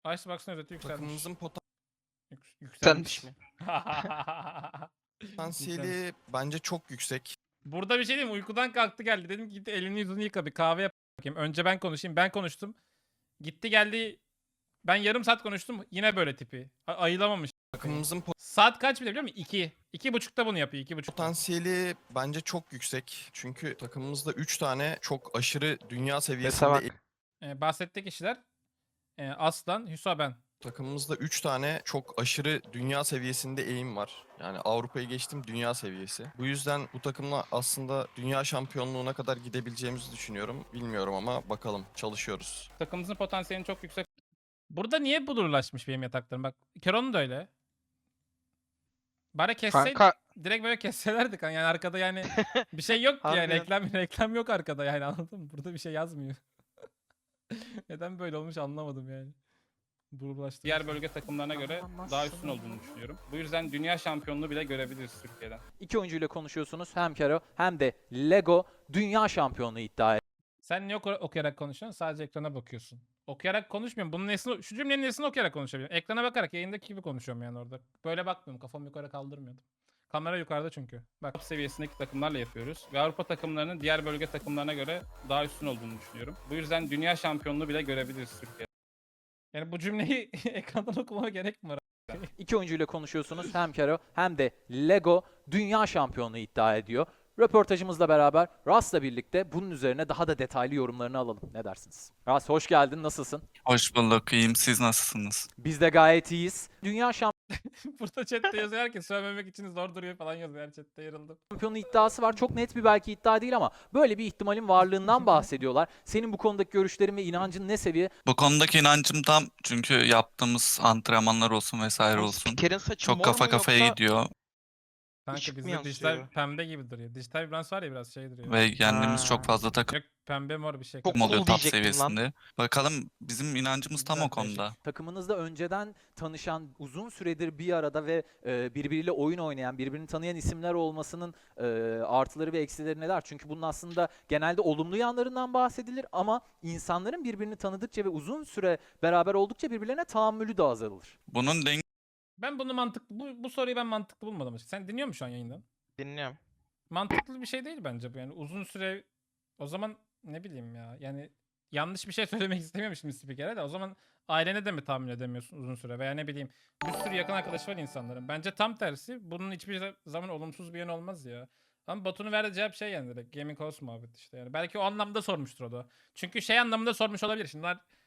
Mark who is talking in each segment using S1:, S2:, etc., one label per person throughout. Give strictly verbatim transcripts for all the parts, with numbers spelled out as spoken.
S1: Icebox'ın özeti yükselmiş.
S2: Takımımızın
S1: Yük- yükselmiş.
S3: Senmiş mi?
S2: potansiyeli bence çok yüksek.
S1: Burada bir şey diyeyim mi? Uykudan kalktı geldi. Dedim ki git elini yüzünü yıka bir kahve yap bakayım. Önce ben konuşayım. Ben konuştum. Gitti geldi. Ben yarım saat konuştum. Yine böyle tipi. A- ayılamamış.
S2: Takımımızın
S1: Saat kaç bile biliyor musun? İki. İki buçukta bunu yapıyor. İki buçukta.
S2: potansiyeli bence çok yüksek. Çünkü takımımızda üç tane çok aşırı dünya
S3: Sese
S2: seviyesinde
S3: bak.
S1: Ee, bahsettiği kişiler e, Aslan, Hüsa ben.
S2: takımımızda üç tane çok aşırı dünya seviyesinde eğim var. Yani Avrupa'yı geçtim, dünya seviyesi. Bu yüzden bu takımla aslında dünya şampiyonluğuna kadar gidebileceğimizi düşünüyorum. Bilmiyorum ama bakalım, çalışıyoruz.
S1: Takımımızın potansiyelinin çok yüksek. Burada niye bulurlaşmış benim yataklarım? Bak Keron'un da öyle. Bari kesseydik.
S3: Kanka
S1: Direkt böyle kesselerdik. Yani arkada yani bir şey yok ki yani.
S3: Harbiden.
S1: Reklam, reklam yok arkada yani, anladın mı? Burada bir şey yazmıyor. Neden böyle olmuş anlamadım yani. Bulurlaştı. Diğer bölge takımlarına göre daha üstün olduğunu düşünüyorum. Bu yüzden dünya şampiyonluğu bile görebiliriz Türkiye'den.
S4: İki oyuncuyla konuşuyorsunuz. Hem Kero hem de Lego dünya şampiyonluğu iddia ediyor.
S1: Sen niye oku- okuyarak konuşuyorsun? Sadece ekrana bakıyorsun. Okuyarak konuşmuyorum. Bunun nesini, şu cümlenin nesini okuyarak konuşabiliyorum. Ekrana bakarak yayındaki gibi konuşuyorum yani orada. Böyle bakmıyorum. Kafamı yukarı kaldırmıyordum. Kamera yukarıda çünkü. Bak top seviyesindeki takımlarla yapıyoruz. Ve Avrupa takımlarının diğer bölge takımlarına göre daha üstün olduğunu düşünüyorum. Bu yüzden dünya şampiyonluğu bile görebiliriz Türkiye'de. Yani bu cümleyi ekrandan okumama gerek mi var?
S4: İki oyuncuyla konuşuyorsunuz. Hem Kero hem de Lego dünya şampiyonluğu iddia ediyor. Röportajımızla beraber Ras'la birlikte bunun üzerine daha da detaylı yorumlarını alalım. Ne dersiniz? Ras hoş geldin. Nasılsın?
S5: Hoş bulduk, iyiyim. Siz nasılsınız?
S4: Biz de gayet iyiyiz. Dünya
S1: Burada chatte yazıyor, herkes söylememek için zor duruyor falan yazıyor. Her chatte yarıldım.
S4: şampiyonluğu iddiası var. Çok net bir belki iddia değil ama böyle bir ihtimalin varlığından bahsediyorlar. Senin bu konudaki görüşlerin ve inancın ne seviye?
S5: Bu konudaki inancım tam çünkü yaptığımız antrenmanlar olsun vesaire olsun.
S3: Spiker'in saçı
S5: Çok
S3: mor
S5: kafa
S3: mu
S5: kafaya
S3: yoksa
S5: gidiyor
S1: Kanka
S3: Işık mı
S1: bizde
S3: yansıyor?
S1: dijital pembe gibi duruyor. Dijital vibrans var ya, biraz şey duruyor.
S5: ve kendimiz
S3: Ha.
S5: çok fazla takım
S1: Yok, pembe mor bir şey.
S3: Çok
S5: oluyor
S3: cool
S5: top
S3: diyecektim lan.
S5: seviyesinde. Bakalım bizim inancımız tam o
S1: Güzel, değişik.
S5: konuda.
S4: Takımınızda önceden tanışan, uzun süredir bir arada ve e, birbiriyle oyun oynayan, birbirini tanıyan isimler olmasının e, artıları ve eksileri neler? Çünkü bunun aslında genelde olumlu yanlarından bahsedilir ama insanların birbirini tanıdıkça ve uzun süre beraber oldukça birbirlerine tahammülü de azalır.
S5: Bunun
S1: Ben bunu mantıklı, bu, bu soruyu ben mantıklı bulmadım açıkçası. Sen dinliyor musun şu an yayından?
S3: Dinliyorum.
S1: Mantıklı bir şey değil bence bu yani. Uzun süre, o zaman ne bileyim ya. Yani yanlış bir şey söylemek istemiyorum şimdi spikere de. O zaman ailene de mi tahammül edemiyorsun uzun süre? Veya ne bileyim, bir sürü yakın arkadaşı var insanların. Bence tam tersi. Bunun hiçbir zaman olumsuz bir yönü olmaz ya. Ama Batu'nun verdiği cevap şey yani, direkt Gaming House muhabbet işte yani. Belki o anlamda sormuştur o da. Çünkü şey anlamında sormuş olabilir. Şimdi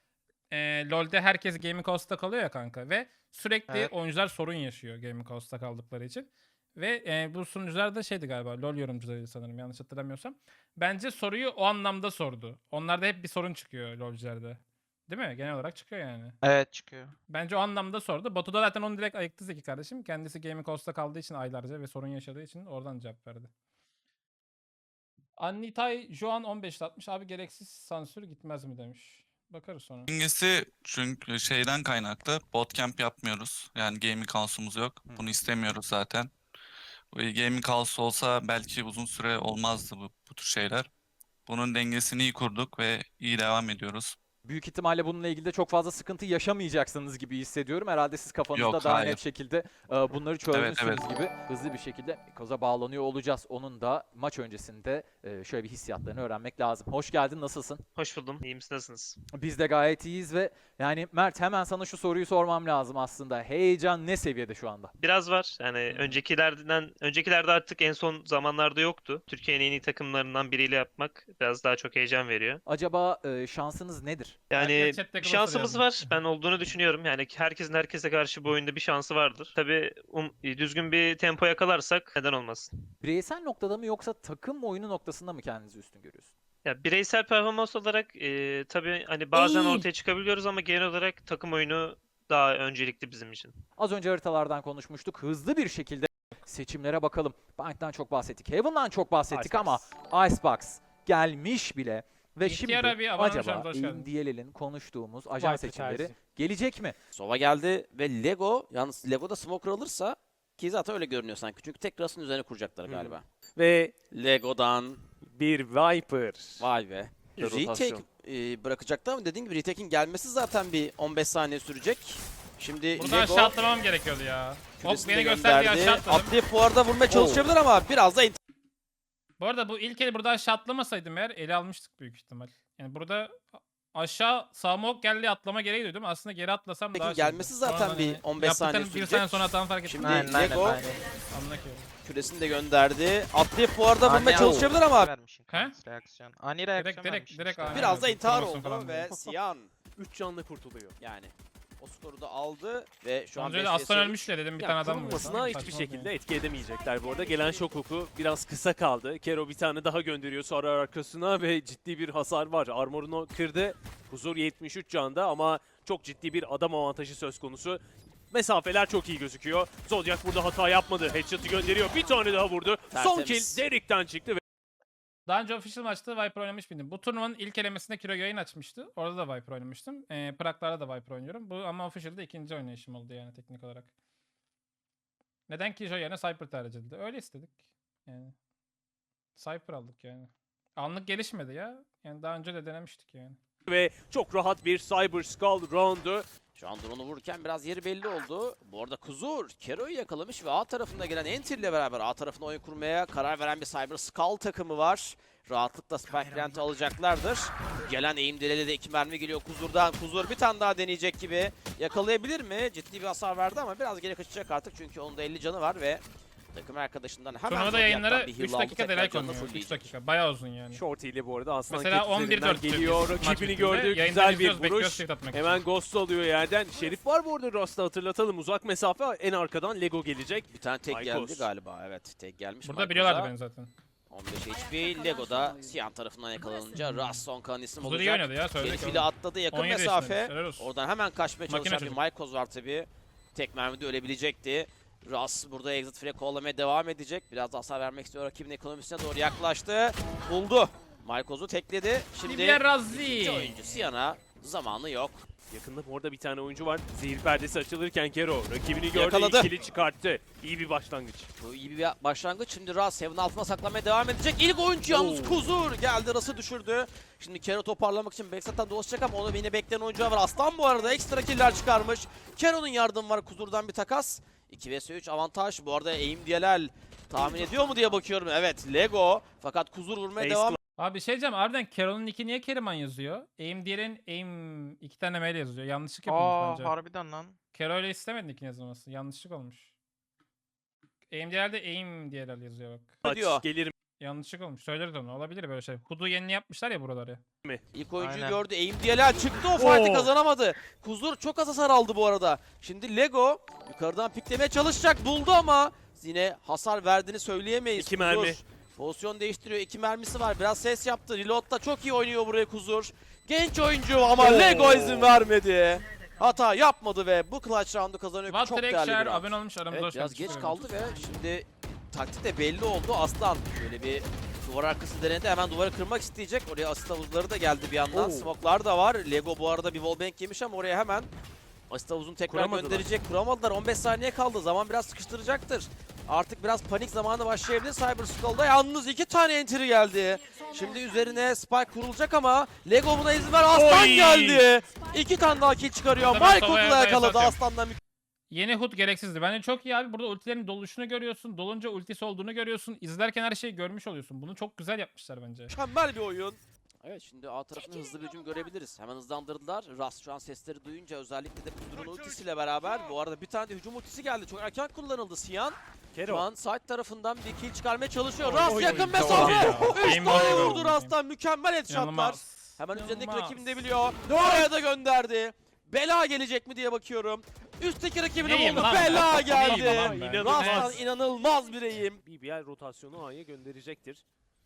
S1: e, LoL'de herkes Gaming House'ta kalıyor ya kanka ve sürekli
S3: Evet.
S1: oyuncular sorun yaşıyor Gaming House'ta kaldıkları için. Ve e, bu sunucular da şeydi galiba, LoL yorumcularıydı sanırım, yanlış hatırlamıyorsam. Bence soruyu o anlamda sordu. Onlarda hep bir sorun çıkıyor LoL'cülerde. Değil mi? Genel olarak çıkıyor yani.
S3: Evet çıkıyor.
S1: Bence o anlamda sordu. Batu da zaten onu direkt ayıktı Zeki kardeşim. Kendisi Gaming House'ta kaldığı için aylarca ve sorun yaşadığı için oradan cevap verdi. Annitay Joan on beş atmış. Abi gereksiz sansür gitmez mi demiş. Bakarız sonra.
S5: dengesi çünkü şeyden kaynaklı. Bootcamp yapmıyoruz. Yani gaming house'umuz yok. Bunu istemiyoruz zaten. Gaming house olsa belki uzun süre olmazdı bu, bu tür şeyler. Bunun dengesini iyi kurduk ve iyi devam ediyoruz.
S4: Büyük ihtimalle bununla ilgili de çok fazla sıkıntı yaşamayacaksınız gibi hissediyorum. Herhalde siz kafanızda
S5: Yok,
S4: daha
S5: hayır.
S4: net şekilde e, bunları çözmüşsünüz
S5: Evet, evet.
S4: gibi hızlı bir şekilde Mikoz'a bağlanıyor olacağız. Onun da maç öncesinde e, şöyle bir hissiyatlarını öğrenmek lazım. Hoş geldin, nasılsın?
S6: Hoş buldum. İyi misiniz? Nasılsınız?
S4: Biz de gayet iyiyiz ve yani Mert, hemen sana şu soruyu sormam lazım aslında. Heyecan ne seviyede şu anda?
S6: Biraz var. Yani öncekilerden öncekilerde artık en son zamanlarda yoktu. Türkiye'nin en iyi takımlarından biriyle yapmak biraz daha çok heyecan veriyor.
S4: Acaba e, şansınız nedir?
S6: Yani
S1: Herkes chatte
S6: bir
S1: kısa
S6: şansımız
S1: soruyor.
S6: var. Ben olduğunu düşünüyorum. Yani herkesin herkese karşı bu oyunda bir şansı vardır. Tabii um, düzgün bir tempo yakalarsak neden olmasın?
S4: Bireysel noktada mı yoksa takım oyunu noktasında mı kendinizi üstün görüyorsun?
S6: Ya bireysel performans olarak e, tabii hani bazen
S4: İyi.
S6: ortaya çıkabiliyoruz ama genel olarak takım oyunu daha öncelikli bizim için.
S4: Az önce haritalardan konuşmuştuk. Hızlı bir şekilde seçimlere bakalım. Bank'tan çok bahsettik. Heaven'dan çok bahsettik ama Icebox gelmiş bile. Ve
S1: İhtiyar
S4: şimdi
S1: abi, abone olmuş
S4: acaba
S1: aramıza, hoş geldin.
S4: Indielel'in konuştuğumuz ajan
S7: Viper
S4: seçimleri
S7: tercih.
S4: gelecek mi?
S7: Sova geldi ve Lego, yalnız Lego'da Smoker alırsa, ki zaten öyle görünüyor sanki. Çünkü tek Rust'ın üzerine kuracaklar galiba.
S3: Ve
S7: Lego'dan
S3: bir Viper.
S7: vay be.
S3: yaptıkları rotasyon.
S7: retake e, bırakacaktı ama dediğim gibi retake'in gelmesi zaten bir on beş saniye sürecek. Şimdi
S1: Burada
S7: Lego
S1: aşağı atlamam gerekiyordu ya. Hop
S7: küresini de
S1: beni gösterdiği
S7: gönderdi.
S1: aşağı atladım.
S7: Atlayıp bu arada vurmaya çalışabilir ama biraz da
S1: Bu arada bu ilk eli burada aşağı atlamasaydım eğer eli almıştık büyük ihtimal. Yani burada aşağı smoke geldi atlama gereği duydum. Aslında geri atlasam daha
S7: Peki
S1: şeydi.
S7: gelmesi zaten
S1: Sonradan
S7: bir
S1: hani
S7: on beş saniye
S1: yaptıklarını bir
S7: sürecek.
S1: saniye sonra atan fark ettim.
S7: Şimdi
S8: Aynen, aynen,
S7: Lego
S8: aynen.
S1: Anlakıyorum.
S7: küresini de gönderdi. Atlayıp bu arada vurmaya
S8: Ani-
S7: çalışabilir ama
S8: Vermişsin
S1: He?
S8: reaksiyon. Ani reaksiyon
S1: Direkt direkt
S8: vermişsin
S1: direkt
S8: işte.
S1: aynen.
S7: biraz da
S1: evet,
S7: intihar
S1: promosyon
S7: oldu
S1: falan
S7: ve
S1: değil.
S7: Siyan
S3: üç canlı kurtuluyor.
S7: yani o skoru da aldı ve şu an
S1: Sonucu öyle
S7: beş
S1: aslan
S7: vs üç.
S1: ölmüş de dedim bir
S3: Ya,
S1: tane adam vurdu.
S3: kurulmasına
S1: Tamam,
S3: hiçbir
S1: saçma
S3: şekilde
S1: yani.
S3: etki edemeyecekler bu arada. Gelen şok oku biraz kısa kaldı. Kero bir tane daha gönderiyor sonra arkasına ve ciddi bir hasar var. Armorunu kırdı. Huzur yetmiş üç canda ama çok ciddi bir adam avantajı söz konusu. Mesafeler çok iyi gözüküyor. Zodiac burada hata yapmadı. Headshot'ı gönderiyor. Bir tane daha vurdu. Son
S7: Tertemiz.
S3: kill Derek'ten çıktı ve
S1: Daha önce official maçta Viper oynamış mıydım? Bu turnuvanın ilk elemesinde Kiro yayın açmıştı. Orada da Viper oynamıştım. Ee, Prag'larda da Viper oynuyorum. Bu ama official'da ikinci oynayışım oldu yani teknik olarak. Neden Killjoy yerine Cypher tercih edildi? Öyle istedik. Yani Cypher aldık yani. Anlık gelişmedi ya. Yani daha önce de denemiştik yani.
S3: ve çok rahat bir Cyber Skull roundu.
S7: Şu an drone'u vururken biraz yeri belli oldu. Bu arada Kuzur Kero'yu yakalamış ve A tarafında gelen Enter ile beraber A tarafına oyun kurmaya karar veren bir Cyber Skull takımı var. Rahatlıkla Spike Plant'ı alacaklardır. Gelen eğim dileğiyle de iki mermi geliyor Kuzur'dan. Kuzur bir tane daha deneyecek gibi. Yakalayabilir mi? Ciddi bir hasar verdi ama biraz geri kaçacak artık çünkü onun da elli canı var ve takım arkadaşından hemen
S1: Turnuvada
S7: Zodiac'tan
S1: yayınları
S7: bir heal
S1: üç
S7: aldı,
S1: dakika
S7: tekrar
S1: delay
S7: canını
S1: konuyor. üç
S7: fullleyecek.
S1: dakika. Bayağı uzun yani.
S3: Shorty ile bu arada Aslan
S1: Mesela
S3: Cat
S1: on bir
S3: üzerinden
S1: dört
S3: geliyor. Rakibini gördü. Güzel bir vuruş. Hemen Ghost alıyor yerden. Şerif var bu arada Rust'ı hatırlatalım. Uzak mesafe en arkadan Lego gelecek.
S7: Bir tane tek
S3: Maykos.
S7: geldi galiba. Evet tek gelmiş.
S1: Burada
S7: Maykos'a.
S1: biliyorlardı beni zaten.
S7: on beş H P. Lego'da Siyan tarafından yakalanınca Ras son kan isim
S1: Huzur iyi
S7: olacak.
S1: oynadı ya söyledik.
S7: Şerif ile atladı yakın
S1: on yedi
S7: mesafe.
S1: yaşındaymış, helal olsun.
S7: Oradan hemen kaçmaya
S1: Makine
S7: çalışan bir
S1: çocuk.
S7: Maykos var tabi. Tek mermide ölebilecekti. Ras burada exit frag kovalamaya devam edecek. Biraz da hasar vermek istiyor. Rakibin ekonomisine doğru yaklaştı. Buldu. Maykos'u tekledi. Şimdi
S1: Livia Razzi.
S7: ikinci oyuncu Siyan'a zamanı yok.
S3: Yakında bu arada bir tane oyuncu var. Zehir perdesi açılırken Kero rakibini gördü.
S7: Yakaladı.
S3: İkili çıkarttı. İyi bir başlangıç.
S7: Bu iyi bir başlangıç. Şimdi Ras Heaven altına saklamaya devam edecek. İlk oyuncu yalnız
S3: Oo.
S7: Kuzur geldi. Ras'ı düşürdü. Şimdi Kero toparlamak için Backstep'ten dolaşacak ama onu yine bekleyen oyuncu var. Aslan bu arada ekstra killer çıkarmış. Kero'nun yardımı var. Kuzur'dan bir takas. iki vs üç avantaj. Bu arada aim diyelel tahmin ediyor mu diye bakıyorum. Evet Lego. Fakat Kuzur vurmaya
S3: Ace
S7: devam
S1: Abi bir şey diyeceğim. Harbiden Carol'ın nicki niye Keriman yazıyor? Aim diğerin aim iki tane mail yazıyor. Yanlışlık yapılmış
S8: Aa
S1: bence.
S8: harbiden lan.
S1: Carol öyle istemedi nickini yazılması. Yanlışlık olmuş. Aim diğerde aim diğer yazıyor bak.
S3: Aç,
S7: diyor.
S3: gelir
S1: Yanlışlık olmuş. Söyleriz onu. Olabilir böyle şey. Hudu yeni yapmışlar ya buraları.
S7: İlk oyuncuyu
S8: Aynen.
S7: gördü. Aim diyelel çıktı. O fight'ı
S3: Oo.
S7: kazanamadı. Kuzur çok az hasar aldı bu arada. Şimdi Lego yukarıdan piklemeye çalışacak. Buldu ama yine hasar verdiğini söyleyemeyiz.
S3: İki
S7: Kuzur
S3: mermi.
S7: pozisyon değiştiriyor. İki mermisi var. Biraz ses yaptı. Reload'da çok iyi oynuyor buraya Kuzur. Genç oyuncu ama
S3: Oo.
S7: Lego izin vermedi. Hata yapmadı ve bu clutch round'u kazanıyor. Çok
S1: Walter
S7: değerli bir
S1: Ekşer
S7: round.
S1: abone olmuş aramızda
S7: Evet
S1: hoş
S7: biraz
S1: geldiniz.
S7: geç kaldı ve şimdi taktik de belli oldu. Aslan şöyle bir duvar arkası denedi. Hemen duvarı kırmak isteyecek. Oraya asist havuzları da geldi bir yandan.
S3: Oo.
S7: Smoke'lar da var. Lego bu arada bir wallbang yemiş ama oraya hemen asist havuzunu tekrar
S3: Kuramadılar.
S7: gönderecek. Kuramadılar. on beş saniye kaldı. Zaman biraz sıkıştıracaktır. Artık biraz panik zamanı başlayabilir. Cyber Skull'da yalnız iki tane entry geldi. Şimdi üzerine spike kurulacak ama Lego buna izin ver. Aslan
S3: Oy!
S7: geldi. İki tane daha kill çıkarıyor.
S1: Burada ben
S7: Michael'ı
S1: Sova'ya
S7: da
S1: da
S7: yakaladı.
S1: yasatıyorum.
S7: Aslan'dan
S1: Yeni Hood gereksizdi. Bence çok iyi abi. Burada ultilerin doluşunu görüyorsun. Dolunca ultisi olduğunu görüyorsun. İzlerken her şeyi görmüş oluyorsun. Bunu çok güzel yapmışlar bence.
S7: mükemmel bir oyun. Evet şimdi A tarafında hızlı bir hücum görebiliriz. Hemen hızlandırdılar. Rast şu an sesleri duyunca özellikle de Kudur'un ultisiyle beraber bu arada bir tane de hücum ultisi geldi. Çok erken kullanıldı Siyan. Şu
S3: Kero.
S7: an side tarafından bir kill çıkarmaya çalışıyor.
S3: Oy,
S7: Rast
S3: oy,
S7: yakın
S3: oy.
S7: mesafe.
S1: Ya.
S7: Üç
S1: Aim
S7: tane
S1: var,
S7: vurdu
S1: aim.
S7: Rast'tan. Mükemmel headshotlar.
S1: İnanılmaz.
S7: Hemen üzerindeki
S1: İnanılmaz.
S7: rakibini de biliyor. Oraya da gönderdi. Bela gelecek mi diye bakıyorum. Üstteki rakibini
S1: Neyim
S7: buldu.
S1: lan?
S7: Bela
S1: Neyim
S7: geldi.
S1: lan ben?
S3: İnanılmaz.
S7: Rast'tan inanılmaz bir eğim.
S3: B B L rotasyonu A'ya gönderecektir.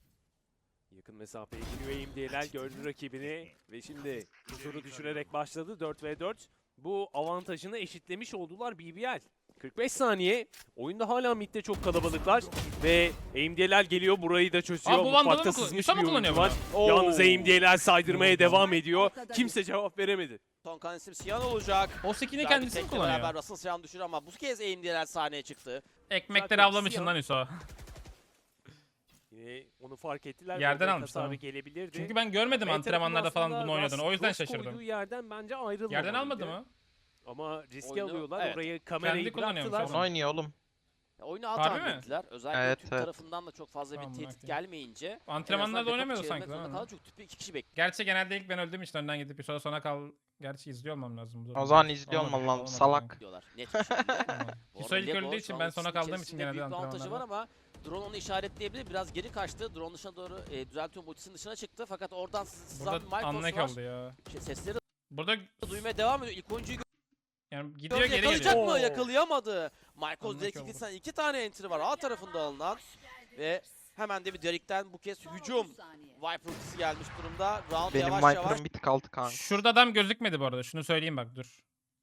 S3: Yakın mesafeye gidiyor aim diyeler gördü rakibini ve şimdi huzuru düşürerek başladı dört ve dört. Bu avantajını eşitlemiş oldular B B L. kırk beş saniye. Oyunda hala midde çok kalabalıklar ve aim diyeler geliyor burayı da çözüyor.
S1: Aa, bu Vandal'ı
S3: Mutfakta
S1: mı kullan-
S3: sızmış
S1: Yusuf mu
S3: bir oyuncu
S1: kullanıyor
S3: var.
S1: bunu?
S3: Yalnız aim diyeler saydırmaya devam ediyor. Kimse cevap veremedi.
S7: Son kan isim Siyan olacak.
S1: O skin'i
S7: Güzel bir
S1: kendisi mi
S7: tekle
S1: kullanıyor?
S7: beraber Russell Siyan düşür ama bu kez aim diyeler sahneye çıktı.
S1: Ekmekleri
S3: Zaten
S1: avlamışsın
S3: Siyan-
S1: lan Hüso.
S3: Yine onu fark ettiler.
S1: Yerden
S3: Orada
S1: almış,
S3: hasarı
S1: tamam.
S3: gelebilirdi.
S1: Çünkü ben görmedim
S3: B tarafın
S1: antrenmanlarda falan
S3: aslında
S1: bunu oynadığını. O
S3: Ras
S1: yüzden
S3: cross koyduğu
S1: şaşırdım.
S3: yerden bence ayrılmamalıydı.
S1: Yerden almadı mı?
S3: Ama riski
S7: Oyunu-
S3: alıyorlar.
S7: evet.
S3: Oraya kamerayı
S1: Kendi kullanıyormuş
S3: bıraktılar.
S1: ama.
S8: oynuyor oğlum.
S7: Ya oyunu A
S1: Harbi
S7: tahmin
S1: mi?
S7: ettiler. Özellikle
S8: Evet,
S7: Türk
S8: evet.
S7: tarafından da çok fazla
S1: Tamam,
S7: bir tehdit
S1: okey.
S7: gelmeyince.
S1: Antrenmanlarda oynamıyordu sanki,
S7: değil
S1: değil mi?
S7: mi? Çünkü tüpü iki kişi bekliyor.
S1: Gerçi genelde ilk ben öldüğüm için önden gidip bir sonra sona kal. Gerçi izliyor olmam lazım. bu
S8: O
S1: durumda.
S8: zaman izliyor
S1: Olmadı,
S8: olman lazım,
S1: olmadı
S8: salak.
S1: kanka.
S7: Diyorlar net bir şekilde.
S1: Tamam.
S7: Bu
S1: Hüso
S7: arada
S1: ilk
S7: Lego
S1: öldüğü
S7: şu
S1: için
S7: an
S1: ben sona
S7: ultisinin
S1: kaldığım için
S7: içerisinde
S1: genelde
S7: büyük bir avantajı var
S1: antrenmanlarda.
S7: ama drone onu işaretleyebilir. Biraz geri kaçtı. Drone dışına doğru e, düzeltiyorum ultisinin dışına çıktı. Fakat oradan sızan bir
S1: Burada
S7: Michaels
S1: anlık
S7: var.
S1: oldu ya.
S7: Şey, sesleri
S1: Burada
S7: duymaya devam ediyor. İlk oyuncuyu
S1: yani gidiyor
S7: gördü.
S1: geri
S7: Yakalayacak
S1: geliyor.
S7: mı?
S3: Oo.
S7: Yakalayamadı. Michaels
S1: Anlık
S7: direkt
S1: oldu.
S7: iki, iki tane entry var A tarafında alınan. Ve hemen de bir Derek'ten bu kez hücum. Viper ultisi gelmiş durumda. Round
S8: Benim
S7: yavaş yavaş
S8: Viper'ım bir tık altı kanka.
S1: Şurada adam gözükmedi bu arada. Şunu söyleyeyim bak dur.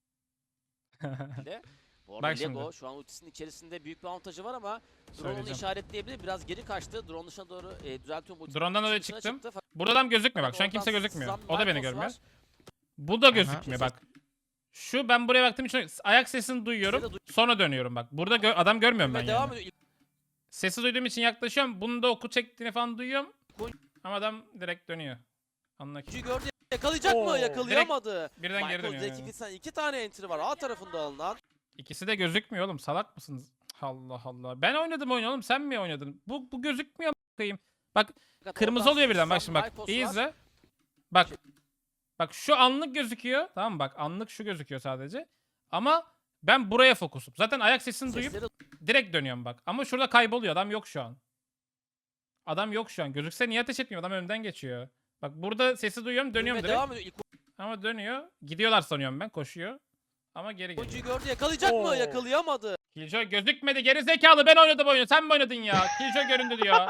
S7: de. Bu arada
S1: Bak
S7: Lego
S1: şimdi.
S7: şu an ultisinin içerisinde büyük bir avantajı var ama drone onu
S1: Söyleyeceğim.
S7: işaretleyebilir. Biraz geri kaçtı. Drone dışına doğru e, düzeltiyorum ultisinin
S1: Drone'dan oraya
S7: dışına
S1: çıktım.
S7: çıktı. Fakat
S1: Burada adam gözükmüyor bak. Şu an
S7: oradan
S1: kimse gözükmüyor.
S7: sızan
S1: O da beni
S7: Michaels
S1: görmüyor.
S7: var.
S1: Bu da gözükmüyor
S7: Aha.
S1: bak. Şu ben buraya baktığım için ayak sesini duyuyorum.
S7: Sesi de duy-
S1: Sonra dönüyorum bak. Burada gö- adam görmüyorum ben
S7: Ve devam
S1: yani.
S7: ediyor.
S1: Sesi duyduğum için yaklaşıyorum. Bunun da oku çektiğini falan duyuyorum.
S7: Koy-
S1: Ama adam direkt dönüyor. Anla ki.
S7: İlk gördü. Yakalayacak
S3: Oo.
S7: mı? Yakalayamadı.
S1: Birden geri
S7: Michaels
S1: dönüyor.
S7: direkt
S1: yani.
S7: iki, tane- iki tane entry var A tarafında alınan.
S1: İkisi de gözükmüyor oğlum. Salak mısınız? Allah Allah. Ben oynadım oyunu oğlum. Sen mi oynadın? Bu bu gözükmüyor bakayım. Bak
S7: Fakat
S1: kırmızı
S7: oradan
S1: oluyor birden. Bak
S7: sızan
S1: şimdi bak.
S7: Michaels
S1: İyi
S7: var.
S1: izle. Bak. Bak şu anlık gözüküyor. Tamam mı? Bak anlık şu gözüküyor sadece. Ama ben buraya fokusum. Zaten ayak sesini duyup
S7: Sesleri
S1: direkt dönüyorum bak. Ama şurada kayboluyor. Adam yok şu an. Adam yok şu an. Gözükse niye ateş etmiyor? Adam önümden geçiyor. Bak burada sesi duyuyorum. Dönüyorum
S7: ve
S1: direkt.
S7: devam ediyor. İlk
S1: Ama dönüyor. Gidiyorlar sanıyorum ben. Koşuyor. Ama geri geliyor.
S7: oyuncuyu gördü. Yakalayacak
S3: Oo.
S7: mı? Yakalayamadı.
S1: Killjoy gözükmedi. Geri zekalı ben oynadım oyunu. Sen mi oynadın ya? Killjoy göründü diyor.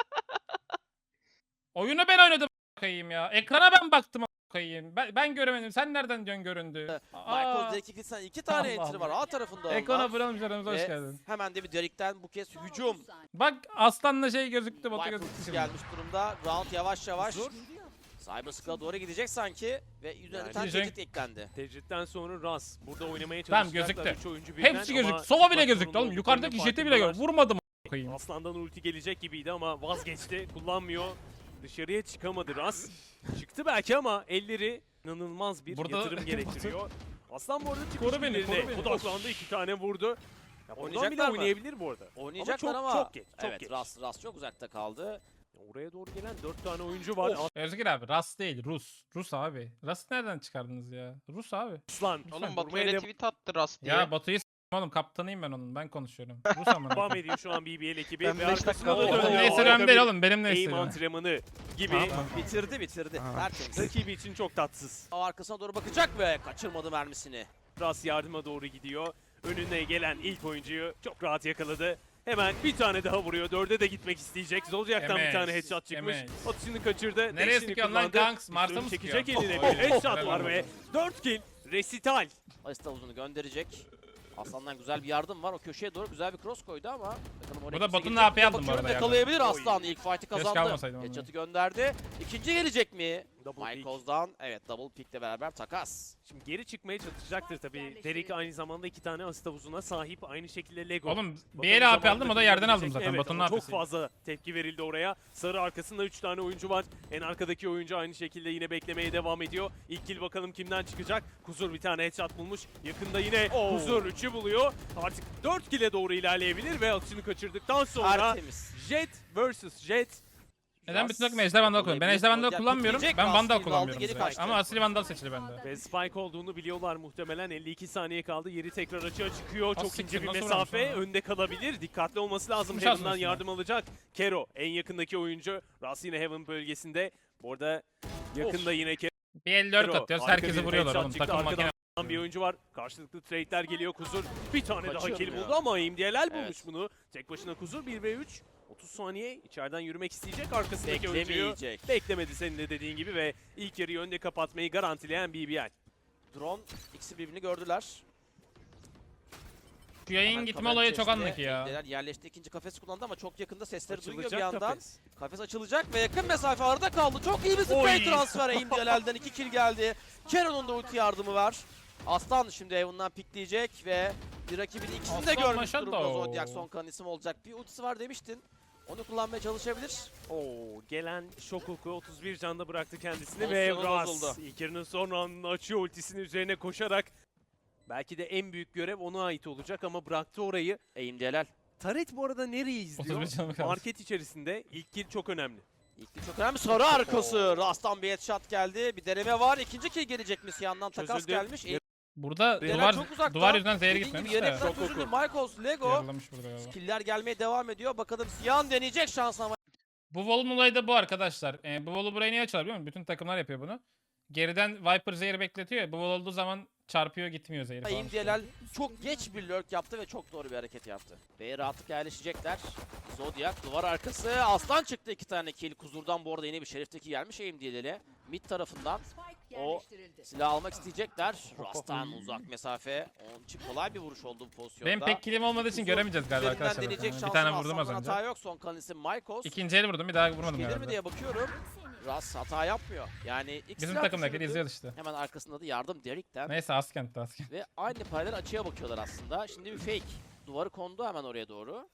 S1: Oyunu ben oynadım bakayım ya. Ekrana ben baktım bakayım. Ben, ben göremedim. Sen nereden diyorsun göründü?
S7: Michaels
S1: Aa,
S7: direkt iki, tane- iki tane
S1: Allah
S7: entry var
S1: Allah.
S7: A tarafında
S1: Ekrana
S7: alınan.
S1: vuralım canımıza hoş
S7: Ve
S1: geldin.
S7: Hemen de bir Derek'ten bu kez hücum.
S1: Bak aslanla şey gözüktü. Botu
S7: Viper
S1: gözüktü
S7: ultisi
S1: şimdi.
S7: gelmiş durumda. Round yavaş yavaş.
S3: Huzur.
S7: Cyber Skull'a doğru gidecek sanki. Ve üzerine
S3: Yani
S7: bir tane
S1: diyecek-
S7: tecrit eklendi.
S3: Tecritten sonra Ras. Burada oynamaya
S1: Tamam,
S3: çalışacaklar.
S1: gözüktü.
S3: Üç oyuncu birden
S1: Hepsi
S3: ama
S1: gözüktü. Sova bile
S3: çıkmak
S1: gözüktü
S3: zorunda
S1: oğlum.
S3: olduklarının
S1: Yukarıdaki jeti bile
S3: farkındalar.
S1: gör. Vurmadım koyayım.
S3: Aslan'dan ulti gelecek gibiydi ama vazgeçti. Kullanmıyor. Dışarıya çıkamadı Ras. Çıktı belki ama elleri inanılmaz bir
S1: Burada-
S3: yatırım gerektiriyor. Aslan bu arada çıkış
S1: Koru beni,
S3: birliğine
S1: koru beni.
S3: odaklandı. iki tane vurdu. Ya buradan bile
S7: Oynayacaklar mı?
S3: oynayabilir bu arada.
S7: Oynayacaklar
S3: çok-
S7: ama,
S3: çok geç, çok
S7: evet
S3: geç.
S7: Ras, Ras çok uzakta kaldı.
S3: Oraya doğru gelen dört tane oyuncu var.
S1: Özgür abi Rus değil Rus. Rus abi. Rus nereden çıkardınız ya? Rus abi.
S3: Aslan.
S8: Oğlum Batu
S3: vurmaya
S8: öyle
S3: devam-
S8: tweet attı Rast diye.
S1: Ya Batu'yu s**tim oğlum. Kaptanıyım ben onun. Ben konuşuyorum. Rus amına.
S3: devam ediyor şu an B B L ekibi.
S8: Ben
S3: ve
S8: beş dakika
S3: arkasına da
S8: oldu.
S3: dönüyor.
S1: Neyse
S3: Harika
S1: önemli değil
S3: bir
S1: oğlum. Benim ne
S3: Aim
S1: istedim.
S3: antrenmanı gibi.
S1: Tamam.
S7: Bitirdi bitirdi.
S8: Aha.
S7: Tertemiz.
S3: Rakibi için çok tatsız.
S7: Arkasına doğru bakacak ve kaçırmadı mermisini.
S3: Ras yardıma doğru gidiyor. Önüne gelen ilk oyuncuyu çok rahat yakaladı. Hemen bir tane daha vuruyor. Dörde de gitmek isteyecek. Zolciak'tan bir
S1: Emeğiz,
S3: tane headshot çıkmış.
S1: emeğiz.
S3: Atışını kaçırdı.
S1: Nereye
S3: dash'ini
S1: sıkıyorsun lan
S3: kullandı.
S1: Gangs? Mars'a
S3: Üstünü
S1: mı
S3: çekecek
S1: sıkıyor?
S3: eline.
S1: Oy,
S3: Bir headshot
S1: helal
S3: var
S1: olsun.
S3: ve dört kill. Resital.
S7: Asist havuzunu gönderecek. Aslan'dan güzel bir yardım var. O köşeye doğru güzel bir cross koydu ama bakalım oraya
S1: Burada
S7: kimse
S1: Batu'nun
S7: gelecek
S1: A P
S7: mi?
S1: aldım bu
S7: Bakıyorum,
S1: arada
S7: yakalayabilir
S3: Oy.
S7: Aslan. İlk fight'i kazandı.
S1: almasaydım onu.
S7: Headshot'ı gönderdi. İkinci gelecek mi?
S3: Double pick.
S7: Michaels'dan evet double pick'le beraber takas.
S3: Şimdi geri çıkmaya çalışacaktır tabii. Derek aynı zamanda iki tane asist havuzuna sahip. Aynı şekilde Lego.
S1: Oğlum bir
S3: Bakalım
S1: yere A P
S3: zamanında
S1: aldım o da yerden aldım
S3: kullanabilecek mi?
S1: zaten.
S3: Evet,
S1: Batu'nun
S3: ama
S1: A
S3: çok
S1: P'si.
S3: fazla tepki verildi oraya. Sarı arkasında üç tane oyuncu var. En arkadaki oyuncu aynı şekilde yine beklemeye devam ediyor. İlk kill bakalım kimden çıkacak. Kuzur bir tane headshot bulmuş. Yakında yine
S7: Oo.
S3: Kuzur üçü buluyor. Artık dört kill'e doğru ilerleyebilir ve atışını kaçırdıktan sonra
S7: Tertemiz.
S3: Jet versus Jet.
S1: Neden
S7: Ras
S1: bütün takım Ejder Vandal kullanıyor? Ben
S7: yakalayabilir.
S1: Ejder Vandal
S7: Zodiac
S1: kullanmıyorum.
S7: pikleyecek.
S1: Ben
S7: Ras
S1: Vandal
S7: kill aldı,
S1: kullanmıyorum.
S7: geri
S1: direkt.
S7: kaçtı.
S1: Ama Asli Vandal seçili bende.
S3: Ve Spike olduğunu biliyorlar muhtemelen. elli iki saniye kaldı. Yeri tekrar açığa çıkıyor. Çok
S1: siktir,
S3: ince bir
S1: nasıl
S3: mesafe.
S1: vurmuş lan?
S3: Önde kalabilir. Dikkatli olması lazım.
S1: Sıkmış
S3: Heaven'dan
S1: aslında
S3: yardım alacak. Kero en yakındaki oyuncu. Ras yine Heaven bölgesinde. Bu arada yakında yine Kero.
S1: Bir elli dört
S3: Kero.
S1: atıyoruz.
S3: Harika
S1: Herkesi
S3: bir
S1: vuruyorlar
S3: headshot
S1: oğlum.
S3: çıktı.
S1: Takım
S3: Arkadan
S1: makine.
S3: bir oyuncu var. Karşılıklı trade'ler geliyor Kuzur. Bir tane daha
S7: Kaçıyor
S3: kill
S7: mu ya?
S3: buldu ama M D L L bulmuş
S7: Evet.
S3: bunu. Tek başına Kuzur bir ve üç. otuz saniye içeriden yürümek isteyecek arkasındaki oyuncuyu.
S7: Beklemeyecek.
S3: Beklemedi senin de dediğin gibi ve ilk yarıyı önde kapatmayı garantileyen B B L.
S7: Drone ikisi birbirini gördüler.
S1: Şu yayın
S7: Hemen
S1: gitme
S7: kamera
S1: olayı çok
S7: içerisinde
S1: anlık ya.
S7: Emdeler yerleşti. İkinci kafesi kullandı ama çok yakında sesleri duyuyor bir
S3: Açılacak
S7: yandan.
S3: kafes.
S7: Kafes açılacak ve yakın mesafe arada kaldı. Çok iyi bir spray
S3: Oy.
S7: transfer. Aimdialer'den iki kill geldi. Keron'un da ulti yardımı var. Aslan şimdi Evan'dan pikleyecek ve bir rakibin ikisini de
S1: Aslan
S7: görmüş
S1: maşallah.
S7: durumda. Zodiac son kalan isim olacak. Bir ultisi var demiştin. Onu kullanmaya çalışabilir.
S3: Oo, gelen şok oku otuz bir canda bıraktı kendisini ve
S7: Pozisyonu
S3: Ras
S7: bozuldu.
S3: ilk yarının son anını açıyor ultisinin üzerine koşarak. Belki de en büyük görev ona ait olacak ama bıraktı orayı.
S7: Eğim Delal.
S3: Taret bu arada nereyi izliyor?
S1: otuz bir canı kaldı.
S3: Market içerisinde ilk kill çok önemli.
S7: İlk kill çok önemli. Sarı arkası. Rast'tan bir headshot geldi. Bir deneme var. İkinci kill gelecek mi? Siyan'dan takas
S3: Çözüldü.
S7: gelmiş. Eğim
S1: Burada
S3: Delal
S1: duvar
S7: çok uzakta.
S1: duvar yüzünden zehir
S7: Dediğin
S1: gitmemiş
S7: gibi
S1: de.
S7: yedekten
S3: Çok
S7: çözüldü.
S3: oku.
S7: Michaels, Lego.
S1: Yaralamış burada galiba.
S7: Killer gelmeye devam ediyor. Bakalım Siyan deneyecek şansını ama.
S1: Bu volun olayı da bu arkadaşlar. Ee, bu volu burayı niye açıyorlar biliyor musun? Bütün takımlar yapıyor bunu. Geriden Viper zehri bekletiyor ya. Bu vol olduğu zaman çarpıyor gitmiyor zehri falan.
S7: Eğim
S1: işte.
S7: Delal çok geç bir lurk yaptı ve çok doğru bir hareket yaptı. B'ye rahatlıkla yerleşecekler. Zodiac duvar arkası. Aslan çıktı iki tane kill. Kuzur'dan bu arada yine bir Şerif'teki gelmiş Eğim Delal'e. Mid tarafından o silah almak isteyecekler. Rast'tan uzak mesafe. Onun için kolay bir vuruş oldu bu pozisyonda.
S1: Benim pek kilim olmadığı için
S7: Kuzur
S1: göremeyeceğiz galiba
S7: üzerinden
S1: arkadaşlar.
S7: deneyecek
S1: Bir
S7: şansın
S1: tane vurdum az
S7: Aslan'dan
S1: önce.
S7: hata yok. Son kalan isim Michaels.
S1: İkinci eli vurdum bir daha vurmadım
S7: Gelir mi
S1: galiba.
S7: diye bakıyorum. Ras hata yapmıyor. Yani ilk
S1: Bizim
S7: silah
S1: takımdakileri
S7: düşürdü.
S1: izliyoruz işte.
S7: Hemen arkasında da yardım Derek'ten.
S1: Neyse Askent'te Askent.
S7: Ve aynı paralel açıya bakıyorlar aslında. Şimdi bir fake. Duvarı kondu hemen oraya doğru.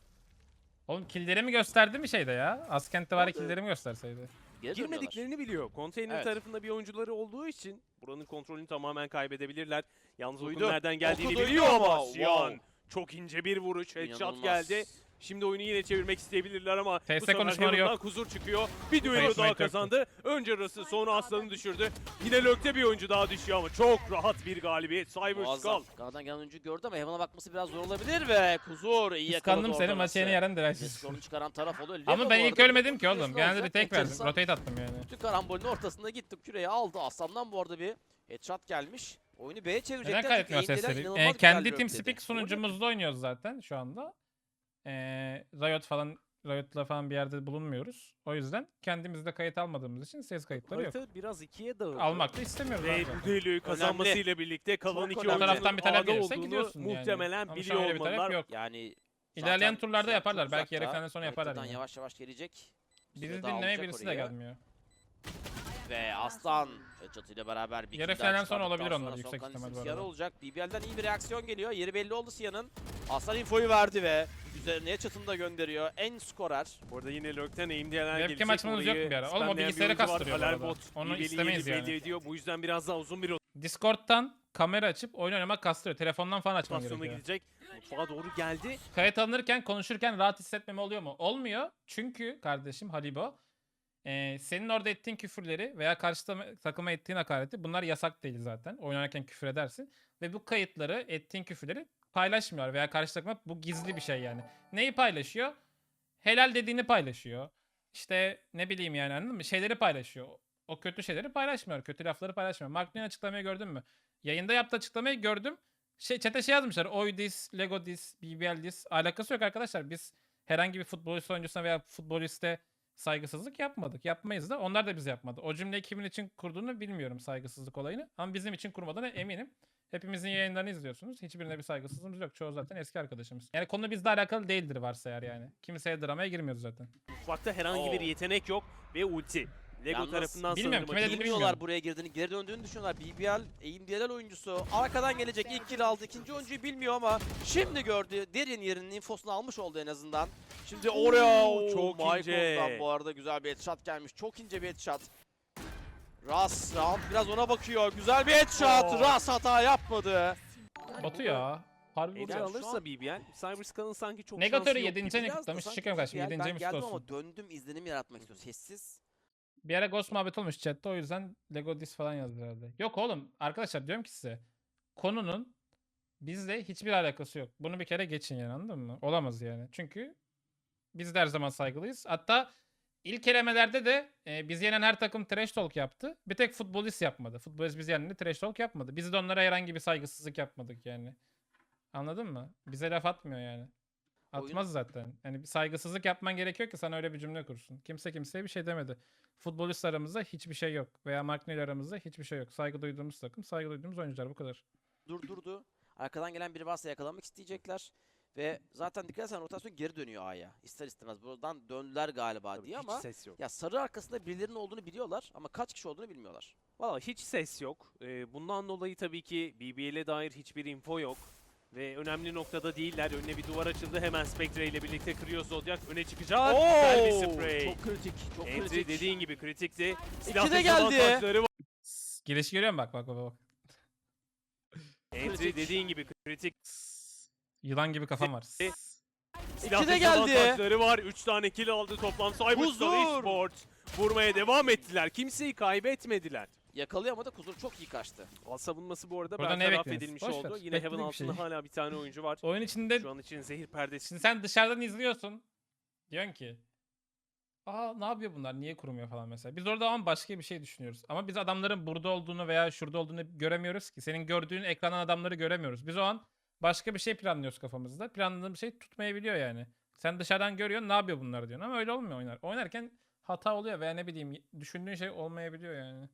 S1: Oğlum killerimi gösterdi mi şeyde ya? Askent'te var ya
S7: Orada-
S1: killerimi gösterseydi.
S7: Geri dönüyorlar.
S3: Girmediklerini biliyor. Konteyner
S7: Evet.
S3: tarafında bir oyuncuları olduğu için buranın kontrolünü tamamen kaybedebilirler. Yalnız
S7: Duydu.
S3: okun nereden geldiğini
S7: Oku duydu
S3: biliyor ama
S7: ama,
S3: Siyan
S7: wow.
S3: çok ince bir vuruş. Headshot
S7: İnanılmaz.
S3: geldi. Şimdi oyunu yine çevirmek isteyebilirler ama
S1: T S
S3: bu sefer
S1: konuşmaları yok.
S3: Heaven'dan Kuzur çıkıyor. Bir düello
S1: Konuşmayı
S3: daha
S1: yoktu.
S3: kazandı. Önce Ras'ı sonra Aslan'ı düşürdü. Yine Lök'te bir oyuncu daha düşüyor ama çok rahat bir galibiyet. Cyber
S7: Muazzam.
S3: Skull.
S7: Karadan gelen oyuncu gördü ama Heaven'a bakması biraz zor olabilir ve Kuzur iyi yakaladı
S1: Kıskandım seni
S7: orada
S1: maçı yeni
S7: Ras'ı.
S1: yeren
S7: Ve
S1: deresiz.
S7: skorunu çıkaran taraf oluyor. Lego
S1: Ama ben
S7: bu
S1: ilk
S7: arada
S1: ölmedim ki oğlum.
S7: biliyorsun
S1: Genelde
S7: olacak.
S1: retake verdim.
S7: Enteresan.
S1: Rotate attım yani.
S7: Bütün karambolün ortasında gitti. Küreyi aldı. Aslan'dan bu arada bir headshot gelmiş. Oyunu B'ye çevirecekler.
S1: Neden
S7: çünkü
S1: kaydetmiyor
S7: Eğimdeler
S1: sesleri?
S7: inanılmaz
S1: Ee,
S7: güzel
S1: kendi
S7: lurk
S1: TeamSpeak
S7: dedi.
S1: sunucumuzda oynuyoruz zaten şu anda. Ee, Riot falan Riot'la falan bir yerde bulunmuyoruz. O yüzden kendimizde kayıt almadığımız için ses kayıtları yok.
S3: Harita biraz ikiye dağıldı.
S1: Almak da istemiyoruz
S3: Ve
S1: abi.
S3: bu düelloyu kazanmasıyla birlikte kalan
S7: Çok
S3: iki
S7: önemli.
S1: O
S3: oyuncunun
S1: taraftan bir talep
S3: A'da
S1: gelirse
S3: olduğunu
S1: gidiyorsun yani.
S3: muhtemelen
S1: Ama şu an
S3: biliyor
S1: öyle bir talep
S3: olmalılar.
S1: yok.
S7: Yani
S1: İlerleyen
S7: zaten
S1: turlarda
S7: Siyan
S1: yaparlar.
S7: çok
S1: Belki yarı
S7: uzakta.
S1: finalden sonra yaparlar.
S7: Haritadan
S1: Yani.
S7: yavaş yavaş gelecek.
S1: Bizi
S7: Süre
S1: dinlemeye
S7: dağılacak
S1: birisi de
S7: oraya.
S1: gelmiyor.
S7: Ve Aslan Headshot ile beraber bir
S1: Yarı
S7: kill daha
S1: finalden sonra
S7: çıkardıktan
S1: olabilir onlar,
S7: sonra
S1: yüksek
S7: son
S1: ihtimal
S7: kalan
S1: bu
S7: Siyan
S1: arada.
S7: olacak. B B L'den iyi bir reaksiyon geliyor. Yeri belli oldu Siyan'ın. Aslan infoyu verdi ve üzerine Headshot'ını da gönderiyor. En skorer.
S3: Burada yine Lök'ten aim diyenler gelecek.
S1: Webcam açmanız yok mu bir ara? Oğlum o
S3: spamlayan bir
S1: bilgisayarı
S3: oyuncu var.
S1: kastırıyor bu
S3: Halal
S1: arada.
S3: bot
S1: Onu
S3: iyi belli
S1: istemeyiz
S3: belli
S1: yani.
S3: ediyor. Bu yüzden biraz daha uzun bir
S1: Discord'dan kamera açıp oyun oynamak kastırıyor. Telefondan falan açman
S3: rotasyona
S1: gerekiyor.
S3: gidecek. Mutfağa doğru geldi.
S1: Kayıt alınırken konuşurken rahat hissetmeme oluyor mu? Olmuyor. Çünkü kardeşim Halibo e, senin orada ettiğin küfürleri veya karşı ta- takıma ettiğin hakareti bunlar yasak değil zaten. Oynarken küfür edersin. Ve bu kayıtları ettiğin küfürleri paylaşmıyorlar veya karşı takıma bu gizli bir şey yani. Neyi paylaşıyor? Helal dediğini paylaşıyor. İşte ne bileyim yani anladın mı? Şeyleri paylaşıyor. O kötü şeyleri paylaşmıyor. Kötü lafları paylaşmıyor. Mark'ın açıklamayı gördün mü? Yayında yaptığı açıklamayı gördüm. Şey, chat'e şey yazmışlar. Oy dis, Lego dis, B B L dis. Alakası yok arkadaşlar. Biz herhangi bir futbolist oyuncusuna veya futboliste saygısızlık yapmadık. Yapmayız da. Onlar da bize yapmadı. O cümleyi kimin için kurduğunu bilmiyorum saygısızlık olayını. Ama bizim için kurmadığına eminim. Hepimizin yayınlarını izliyorsunuz. Hiçbirine bir saygısızlığımız yok. Çoğu zaten eski arkadaşımız. Yani konu bizle alakalı değildir varsa eğer yani. Kimseye dramaya girmiyoruz zaten.
S3: Mutfakta herhangi bir
S7: Oo.
S3: yetenek yok ve ulti. Lego
S7: Yalnız
S3: tarafından
S1: bilmiyorum,
S3: sanırım
S1: kime dediğini
S3: açılmış.
S1: bilmiyorum.
S7: Bilmiyorlar buraya girdiğini, geri döndüğünü düşünüyorlar. B B L, Eğim Delal oyuncusu. Arkadan gelecek ilk kill aldı. İkinci oyuncuyu bilmiyor ama şimdi gördü. Derin yerinin infosunu almış oldu en azından. Şimdi oraya
S3: Oo, çok
S7: Michael'dan
S3: ince.
S7: bu arada güzel bir headshot gelmiş. Çok ince bir headshot. Ras round biraz ona bakıyor. Güzel bir headshot.
S3: Oo.
S7: Ras hata yapmadı.
S1: Batu ya. Harbi
S3: Ele
S7: Yani
S1: Batu.
S7: şu
S3: alırsa
S7: an-
S3: B B L, Cyberskull'ın sanki çok
S1: Negatör'ü
S3: şansı yok
S1: yedinci
S3: gibi.
S1: ne
S7: Biraz da
S1: kutlamış?
S7: sanki
S1: Şükür kardeşim.
S7: B B L,
S1: yedinci
S7: ben geldim
S1: olsun.
S7: ama döndüm izlenim yaratmak istiyor. Sessiz.
S1: Bir ara Ghost muhabbet olmuş chatte o yüzden Lego dis falan yazdı herhalde. Yok oğlum arkadaşlar diyorum ki size konunun bizle hiçbir alakası yok. Bunu bir kere geçin yani anladın mı? Olamaz yani. Çünkü biz de her zaman saygılıyız. Hatta ilk elemelerde de e, biz yenen her takım trash talk yaptı. Bir tek futbolist yapmadı. Futbolist biz yenende trash talk yapmadı. Biz de onlara herhangi bir saygısızlık yapmadık yani. Anladın mı? Bize laf atmıyor yani.
S7: Oyun-
S1: Atmaz zaten. Yani bir saygısızlık yapman gerekiyor ki sana öyle bir cümle kursun. Kimse kimseye bir şey demedi. Futbolist aramızda hiçbir şey yok. Veya Mark Neil aramızda hiçbir şey yok. Saygı duyduğumuz takım, saygı duyduğumuz oyuncular bu kadar.
S7: Durdurdu. Arkadan gelen biri varsa yakalamak isteyecekler. Ve zaten dikkat etsen rotasyon geri dönüyor A'ya. İster istemez. Buradan döndüler galiba
S3: Tabii
S7: diye
S3: hiç
S7: ama
S3: ses yok.
S7: ya sarı arkasında birilerinin olduğunu biliyorlar ama kaç kişi olduğunu bilmiyorlar.
S3: Valla hiç ses yok. Ee, bundan dolayı tabii ki B B L'e dair hiçbir info yok. Ve önemli noktada değiller. Önüne bir duvar açıldı. Hemen Spectre ile birlikte kırıyor Zodiac. Öne çıkacak.
S7: Oo,
S3: Güzel bir spray.
S7: çok kritik, çok
S3: Entry
S7: kritik.
S3: dediğin gibi kritikti.
S7: İki
S3: Silah
S7: de
S3: test
S7: geldi.
S3: avantajları var.
S1: Gelişi görüyor musun? Bak bak bak bak.
S3: Entry
S7: Kritik.
S3: dediğin gibi kritik.
S1: Yılan gibi kafam var.
S3: Silah
S7: İki de
S3: test
S7: geldi.
S3: avantajları var. üç tane kill aldı toplam. Cyberstar
S7: Huzur.
S3: Esports vurmaya devam ettiler. Kimseyi kaybetmediler.
S7: Yakalayamadı. Kuzur çok iyi kaçtı.
S3: Al savunması bu arada
S1: Burada ne
S3: bertaraf
S1: bekliyorsun?
S3: edilmiş
S1: Boş
S3: oldu.
S1: ver,
S3: Yine Heaven
S1: bekledik bir şey.
S3: altında hala bir tane oyuncu var.
S1: Oyun içinde
S3: Şu an için zehir perdesi.
S1: şimdi sen dışarıdan izliyorsun. Diyorsun ki aa ne yapıyor bunlar? Niye kurumuyor falan mesela. Biz orada ama başka bir şey düşünüyoruz. Ama biz adamların burada olduğunu veya şurada olduğunu göremiyoruz ki. Senin gördüğün ekrandan adamları göremiyoruz. Biz o an başka bir şey planlıyoruz kafamızda. Planladığımız şey tutmayabiliyor yani. Sen dışarıdan görüyorsun ne yapıyor bunlar diyorsun ama öyle olmuyor oynar. Oynarken hata oluyor veya ne bileyim düşündüğün şey olmayabiliyor yani.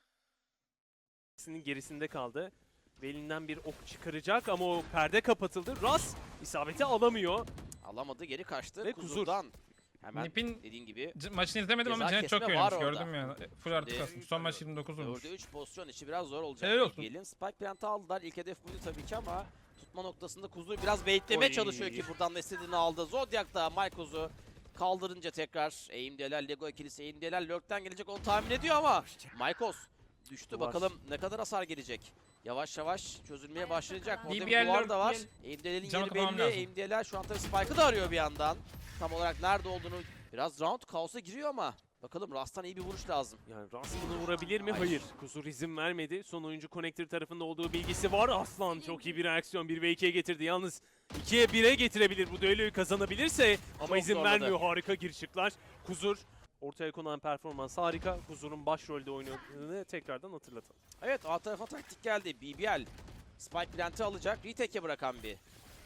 S3: Sinin gerisinde kaldı. Ve elinden bir ok çıkaracak ama o perde kapatıldı. Ras isabeti alamıyor.
S7: Alamadı, geri kaçtı.
S3: Ve Kuzur.
S7: Kuzur'dan. Hemen
S1: Nip'in
S7: dediğin gibi
S1: c- maçını izlemedim ama
S7: Ceza
S1: Cennet çok
S7: kesme
S1: iyi
S7: var
S1: oynamış.
S7: orada.
S1: Gördüm yani. E, Full artı
S7: Şimdi-
S1: kasmış. Son maç yirmi dokuz olmuş.
S7: dörde üç pozisyon içi biraz zor olacak.
S1: Helal olsun.
S7: Gelin Spike Plant'ı aldılar. İlk hedef buydu tabii ki ama tutma noktasında Kuzur biraz beklemeye
S3: Oy.
S7: çalışıyor ki buradan da istediğini aldı. Zodiac da Maykoz'u kaldırınca tekrar eğimdeler, Lego ikilisi eğimdeler. Lurk'ten gelecek onu tahmin ediyor ama Maykoz düştü.
S3: Duvar.
S7: Bakalım ne kadar hasar gelecek. Yavaş yavaş çözülmeye başlayacak. Orada
S1: B
S7: bir
S1: B L
S7: duvar da var.
S1: Lurk
S7: Eğimdelerin
S1: Canı
S7: yeri
S1: tamam
S7: belli.
S1: lazım.
S7: Eğimdeler şu an tabii Spike'ı da arıyor bir yandan. Tam olarak nerede olduğunu biraz round kaosa giriyor ama bakalım Rast'tan iyi bir vuruş lazım.
S3: Yani Ras bunu vurabilir mi?
S7: Hayır.
S3: Hayır. Kuzur izin vermedi. Son oyuncu Connector tarafında olduğu bilgisi var. Aslan çok iyi bir reaksiyon. bir ve ikiye getirdi. Yalnız ikiye bire getirebilir. Bu düelloyu kazanabilirse ama
S7: Çok
S3: izin
S7: zorladı.
S3: vermiyor. Harika girişikler. Kuzur ortaya konan performans harika. Kuzur'un başrolde oynadığını tekrardan hatırlatalım.
S7: Evet, A tarafa taktik geldi. B B L Spike Plant'ı alacak. Retake'e bırakan bir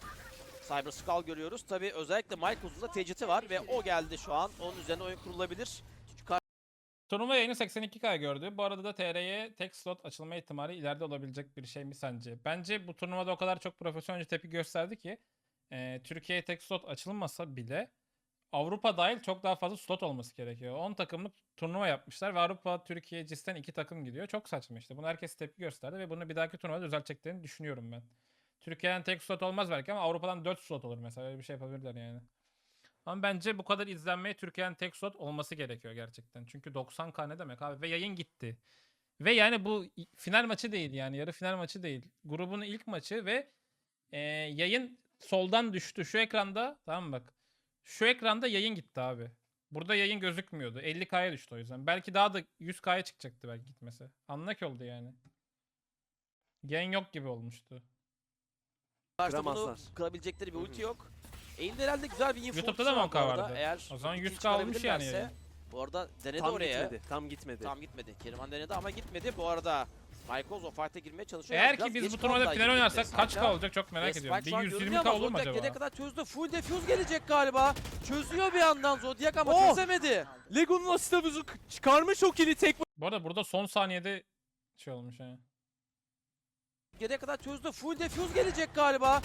S7: Cyber Skull görüyoruz. Tabii özellikle Mike Uzun'da teciti var ve o geldi şu an. Onun üzerine oyun kurulabilir. Çünkü
S1: Turnuva yayını seksen iki K gördü. Bu arada da T R'ye tek slot açılma ihtimali ileride olabilecek bir şey mi sence? Bence bu turnuvada o kadar çok profesyonelce tepki gösterdi ki e, Türkiye'ye tek slot açılmasa bile Avrupa dahil çok daha fazla slot olması gerekiyor. on takımlık turnuva yapmışlar ve Avrupa, Türkiye, Cis'ten iki takım gidiyor. Çok saçma işte. Buna herkes tepki gösterdi ve bunu bir dahaki turnuvada düzelteceklerini düşünüyorum ben. Türkiye'den tek slot olmaz belki ama Avrupa'dan dört slot olur mesela. Öyle bir şey yapabilirler yani. Ama bence bu kadar izlenmeye Türkiye'nin tek slot olması gerekiyor gerçekten. Çünkü doksan K ne demek abi? Ve yayın gitti. Ve yani bu final maçı değil yani. Yarı final maçı değil. Grubun ilk maçı ve e, yayın soldan düştü. Şu ekranda tamam mı bak. Şu ekranda yayın gitti abi. Burada yayın gözükmüyordu. elli K'ya düştü o yüzden. Belki daha da yüz K'ya çıkacaktı belki gitmesi. Anlak oldu yani. Yayın yok gibi olmuştu.
S7: karşıda bunu
S3: Kıramazlar.
S7: kırabilecekleri bir ulti yok. Eğimde herhalde güzel bir info
S1: YouTube'da da
S7: var
S1: mı on K
S7: bu arada.
S1: vardı?
S7: Eğer
S1: O zaman
S7: ultiyi
S1: yüz K olmuş yani
S7: çıkarabilirlerse-
S1: yayın.
S7: Bu arada denedi
S3: Tam
S7: oraya.
S3: gitmedi. Tam gitmedi.
S7: Tam gitmedi. Keriman denedi ama gitmedi. Bu arada Michaels o fight'e girmeye çalışıyor.
S1: Eğer
S7: Biraz
S1: ki biz
S7: geç
S1: bu turnuvada
S7: kaldılar
S1: final
S7: gibi
S1: oynarsak
S7: gitti.
S1: kaç K
S7: Sanki-
S1: olacak çok merak
S7: Ve
S1: ediyorum.
S7: Spike şu an
S1: bir yüz
S7: görünüyor
S1: yirmi K
S7: ama
S1: olur mu
S7: Zodiac
S1: acaba?
S7: gelene kadar çözdü. Full defuse gelecek galiba. Çözüyor bir yandan Zodiac ama
S3: Oh!
S7: çözemedi.
S3: Lego'nun asitabuzu çıkarmış o kili tek
S1: Bu arada burada son saniyede şey olmuş yani.
S7: Gelene kadar çözdü. Full defuse gelecek galiba.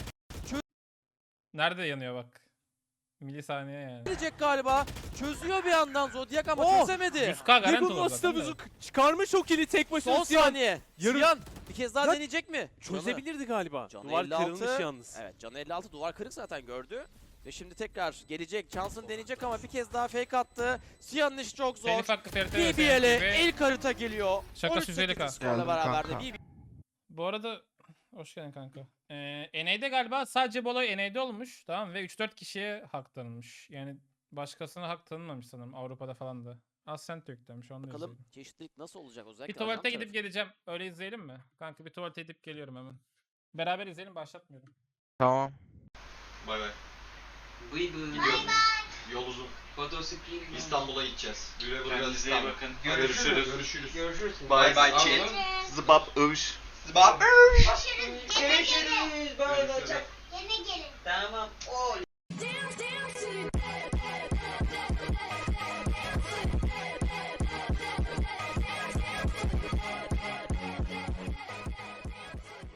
S1: Nerede yanıyor bak. Milisaniye yani.
S7: Gelecek galiba. Çözüyor bir yandan Zodiac ama
S3: Oh!
S7: çözemedi.
S1: yüz K garanti
S3: Lego'nun
S1: olur zaten
S3: asitabuzu
S1: de.
S3: çıkarmış o kili tek başına.
S7: Son
S3: Siyan
S7: saniye.
S3: Yarım-
S7: Siyan bir kez daha
S3: Lan-
S7: deneyecek mi?
S3: Çözebilirdi galiba.
S7: Canı
S3: Duvar
S7: elli altı.
S3: kırılmış yalnız.
S7: Evet, canı elli altı, duvar kırık zaten gördü. Ve şimdi tekrar gelecek. Chans'ın deneyecek ama bir kez daha fake attı. Siyan'ın işi çok zor.
S1: Telif hakkı F R T
S7: B B L'e
S1: ve
S7: ilk harita geliyor.
S1: Şakası
S7: on üç
S1: yüz elli K.
S7: sekiz skorla
S8: Geldim
S7: beraber de
S8: kanka.
S7: B B
S1: bu arada hoş geldin kanka. Ee, N A'de galiba sadece bu olay N A'de olmuş tamam ve üç dört kişiye hak tanınmış. Yani başkasına hak tanınmamış sanırım Avrupa'da falan da. Ascent yüklemiş onu da
S7: Bakalım
S1: izleyelim.
S7: çeşitlilik nasıl olacak özellikle
S1: Bir tuvalete
S7: ajan
S1: gidip
S7: tarafı.
S1: geleceğim. Öyle izleyelim mi? Kanka bir tuvalete gidip geliyorum hemen. Beraber izleyelim başlatmıyorum.
S8: Tamam.
S9: Bay bay.
S10: Buyurun.
S9: Gidiyorum. Yol uzun.
S10: Fotospin.
S9: İstanbul'a gideceğiz. Güle güle
S10: Kendinize iyi
S9: İstanbul.
S10: bakın.
S9: Görüşürüz.
S10: Görüşürüz.
S9: Görüşürüz.
S10: Bye bye
S9: Bye.
S10: chat.
S9: Zıbap övüş.
S10: Zıbap.